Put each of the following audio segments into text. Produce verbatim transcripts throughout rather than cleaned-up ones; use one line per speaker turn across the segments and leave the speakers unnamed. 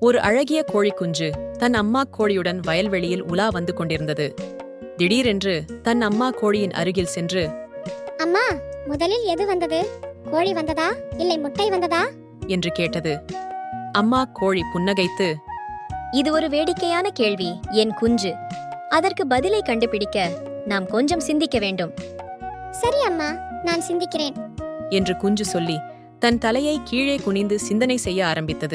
ஒரு அழகிய கோழிக்குஞ்சு தன் அம்மா கோழியுடன் வயல்வெளியில் உலா வந்து கொண்டிருந்தது. திடீரென்று தன் அம்மா கோழியின் அருகில் சென்று,
அம்மா, முதலில் எது வந்தது? கோழி வந்ததா இல்லை முட்டை வந்ததா
என்று கேட்டது. அம்மா கோழி புன்னகைத்து,
இது ஒரு வேடிக்கையான கேள்வி என் குஞ்சு. அதற்கு பதிலை கண்டுபிடிக்க நாம் கொஞ்சம் சிந்திக்க வேண்டும்.
சரி அம்மா, நான் சிந்திக்கிறேன்
என்று குஞ்சு சொல்லி தன் தலையை கீழே குனிந்து சிந்தனை செய்ய ஆரம்பித்தது.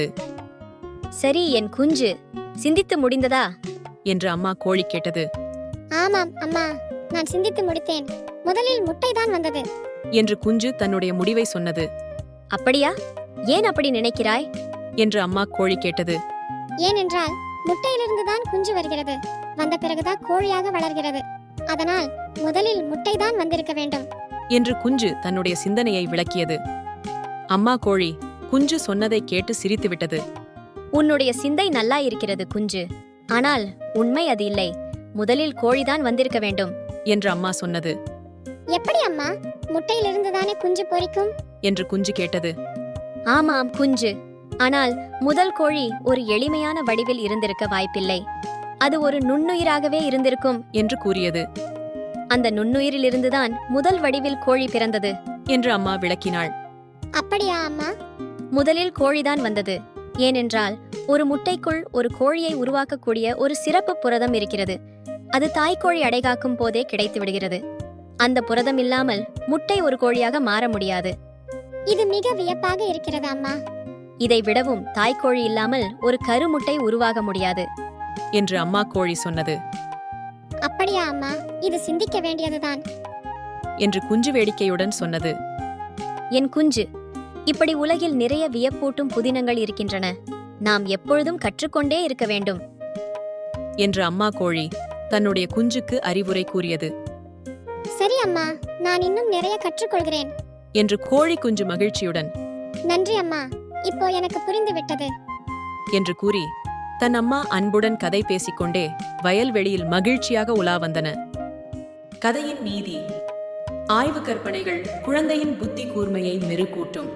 சரி என் குஞ்சு, சிந்தித்து முடிந்ததா
என்று அம்மா கோழி கேட்டது.
ஆமாம் அம்மா, நான் சிந்தித்து முடித்தேன். முதலில் முட்டைதான் வந்தது
என்று குஞ்சு தன்னுடைய முடிவை சொன்னது.
அப்படியா? ஏன் அப்படி நினைக்கிறாய்
என்று அம்மா கோழி கேட்டது.
ஏனென்றால் முட்டையிலிருந்துதான் குஞ்சு வருகிறது. வந்த பிறகுதான் கோழியாக வளர்கிறது. அதனால் முதலில் முட்டைதான் வந்திருக்க வேண்டும்
என்று குஞ்சு தன்னுடைய சிந்தனையை விளக்கியது. அம்மா கோழி குஞ்சு சொன்னதை கேட்டு சிரித்துவிட்டது.
உன்னுடைய சிந்தை நல்லா இருக்கிறது குஞ்சு. ஆனால் உண்மை அது இல்லை. முதலில் கோழிதான் வந்திருக்க வேண்டும்
என்று அம்மா சொன்னது.
எப்படி அம்மா? முட்டையிலிருந்துதானே குஞ்சு பொரிக்கும்
என்று குஞ்சு கேட்டது.
ஆமாம் குஞ்சு, ஆனால் முதல் கோழி ஒரு எளிமையான வடிவில் இருந்திருக்க வாய்ப்பில்லை. அது ஒரு நுண்ணுயிராகவே இருந்திருக்கும்
என்று கூறியது.
அந்த நுண்ணுயிரிலிருந்துதான் முதல் வடிவில் கோழி பிறந்தது
என்று அம்மா விளக்கினாள்.
அப்படியா அம்மா?
முதலில் கோழிதான் வந்தது. ஏனென்றால் ஒரு முட்டைக்குள் ஒரு கோழியை உருவாக்கக்கூடிய ஒரு சிறப்பு புரதம் இருக்கிறது. அது தாய்க்கோழி அடைகாக்கும் போதே கிடைத்து விடுகிறது. அந்த புரதம் இல்லாமல் முட்டை ஒரு கோழியாக மாற முடியாது.
இது மிக வியப்பாக இருக்கிறது அம்மா.
இதை விடவும் தாய்க்கோழி இல்லாமல் ஒரு கருமுட்டை உருவாக முடியாது
என்று அம்மா கோழி சொன்னது.
அப்படியா அம்மா? இது சிந்திக்க வேண்டியதுதான்
என்று குஞ்சு வேடிக்கையுடன் சொன்னது.
என் குஞ்சு, இப்படி உலகில் நிறைய வியப்பூட்டும் புதினங்கள் இருக்கின்றன. நாம் எப்பொழுதும் கற்றுக்கொண்டே இருக்க வேண்டும்
என்று அம்மா கோழி தன்னுடைய குஞ்சுக்கு அறிவுரை கூறியது.
சரி அம்மா, நான் இன்னும் நிறைய கற்றுக்கொள்கிறேன்
என்று கோழி குஞ்சு மகிழ்ச்சியுடன்,
நன்றி அம்மா, இப்போ எனக்கு புரிந்து விட்டது
என்று கூறி தன் அம்மா அன்புடன் கதை பேசிக்கொண்டே வயல்வெளியில் மகிழ்ச்சியாக உலா வந்தன. கதையின் நீதி: ஆய்வு கற்பனைகள் குழந்தையின் புத்தி கூர்மையை மெருகூட்டும்.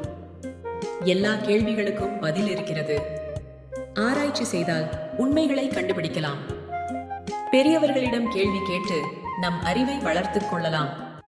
எல்லா கேள்விகளுக்கும் பதில் இருக்கிறது. ஆராய்ச்சி செய்தால் உண்மைகளை கண்டுபிடிக்கலாம். பெரியவர்களிடம் கேள்வி கேட்டு நம் அறிவை வளர்த்துக் கொள்ளலாம்.